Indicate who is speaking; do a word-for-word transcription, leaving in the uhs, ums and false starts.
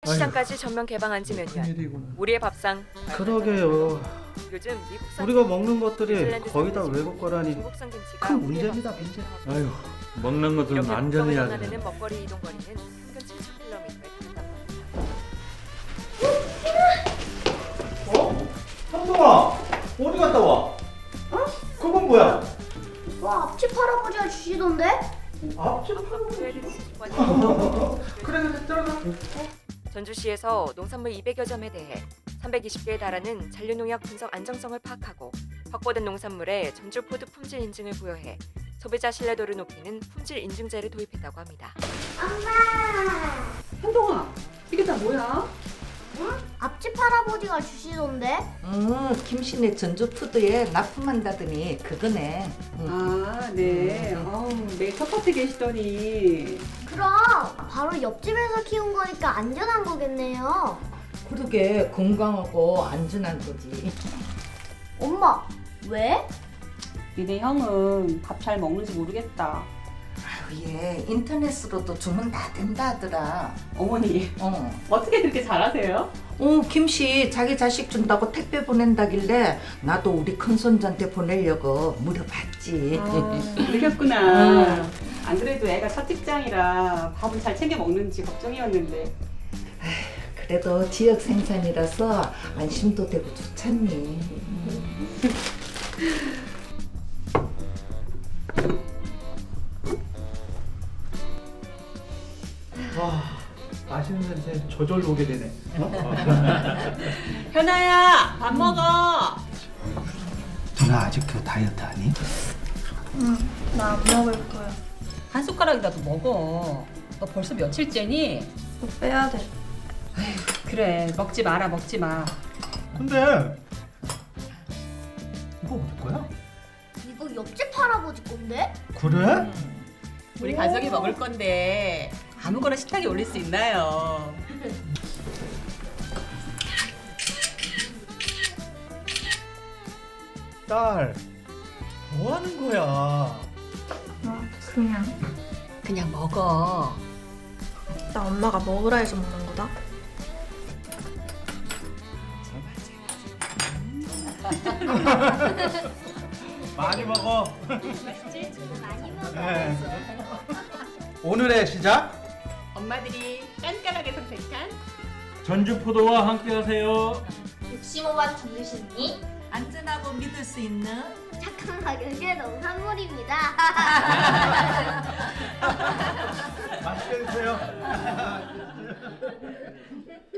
Speaker 1: 시장까지 전면 개방한 지 몇 년.
Speaker 2: 큰일이구나.
Speaker 1: 우리의 밥상.
Speaker 2: 그러게요.
Speaker 1: 요즘 미국산
Speaker 2: 우리가 먹는 것들이
Speaker 1: 뉴질랜드
Speaker 2: 거의 다
Speaker 1: 산지,
Speaker 2: 외국 거라니
Speaker 1: 중국산 김치가
Speaker 2: 큰
Speaker 1: 우리의
Speaker 2: 문제입니다,
Speaker 1: 밥상에
Speaker 2: 문제.
Speaker 1: 들어가고
Speaker 3: 아유, 먹는 것들은
Speaker 1: 이렇게
Speaker 3: 완전히
Speaker 1: 국밥을
Speaker 3: 야.
Speaker 1: 전환하는 먹거리 이동 거리는 평균 칠천 킬로미터에 달한다고 합니다.
Speaker 2: 어? 현동아, 어디 갔다 와? 어? 그건 뭐야?
Speaker 4: 와, 앞집 할아버지가 주시던데?
Speaker 2: 앞집 그래 그래 들어가.
Speaker 1: 전주시에서 농산물 이백여 점에 대해 삼백이십 개에 달하는 잔류농약 분석 안정성을 파악하고 확보된 농산물에 전주푸드 품질 인증을 부여해 소비자 신뢰도를 높이는 품질 인증제를 도입했다고 합니다.
Speaker 4: 엄마!
Speaker 5: 현동아, 이게 다 뭐야?
Speaker 4: 응? 앞집 할아버지가 주시던데?
Speaker 6: 음, 김신의 전주푸드에 납품한다더니 그거네. 음.
Speaker 5: 아, 네. 아우, 매일 텃밭에 계시더니.
Speaker 4: 그럼 바로 옆집에서 키운 거니까 안전한 거겠네요.
Speaker 6: 그러게 건강하고 안전한 거지.
Speaker 4: 엄마, 왜?
Speaker 5: 니네 형은 밥 잘 먹는지 모르겠다.
Speaker 6: 아유, 얘 인터넷으로도 주문 다 된다 하더라.
Speaker 5: 어머니,
Speaker 6: 어.
Speaker 5: 어떻게 그렇게 잘하세요?
Speaker 6: 어, 김씨 자기 자식 준다고 택배 보낸다길래 나도 우리 큰손자한테 보내려고 물어봤지.
Speaker 5: 그러셨구나.
Speaker 6: 음.
Speaker 5: 안 그래도 애가 첫 직장이라 밥은 잘 챙겨 먹는지 걱정이었는데.
Speaker 6: 그래도 지역 생산이라서 안심도 되고 좋잖니.
Speaker 2: 와, 맛있는 냄새 저절로 오게 되네.
Speaker 5: 현아야, 밥 먹어.
Speaker 2: 누나 아직도 다이어트 하니?
Speaker 7: 나 안 먹을 거야.
Speaker 5: 한 숟가락이라도 먹어. 너 벌써 며칠째니?
Speaker 7: 또 빼야 돼.
Speaker 5: 그래, 먹지 마라, 먹지 마.
Speaker 2: 근데 이거 어디 거야?
Speaker 4: 이거 옆집 할아버지 건데?
Speaker 2: 그래?
Speaker 5: 우리 가족이 먹을 건데 아무거나 식탁에 올릴 수 있나요?
Speaker 2: 딸, 뭐 하는 거야?
Speaker 7: 아, 그냥.
Speaker 5: 그냥 먹어.
Speaker 7: 나 엄마가 먹으라 해서 먹는 거다.
Speaker 2: 많이 먹어.
Speaker 5: 맛있지?
Speaker 4: 많이 먹어.
Speaker 2: 네. 오늘의 시작.
Speaker 5: 엄마들이 깐깐하게 선택한
Speaker 3: 전주포도와 함께하세요.
Speaker 4: 육십오 만 전주시니
Speaker 6: 안전하고 믿을 수 있는
Speaker 4: 착한 가격의 농산물입니다.
Speaker 2: 맛있게 드세요.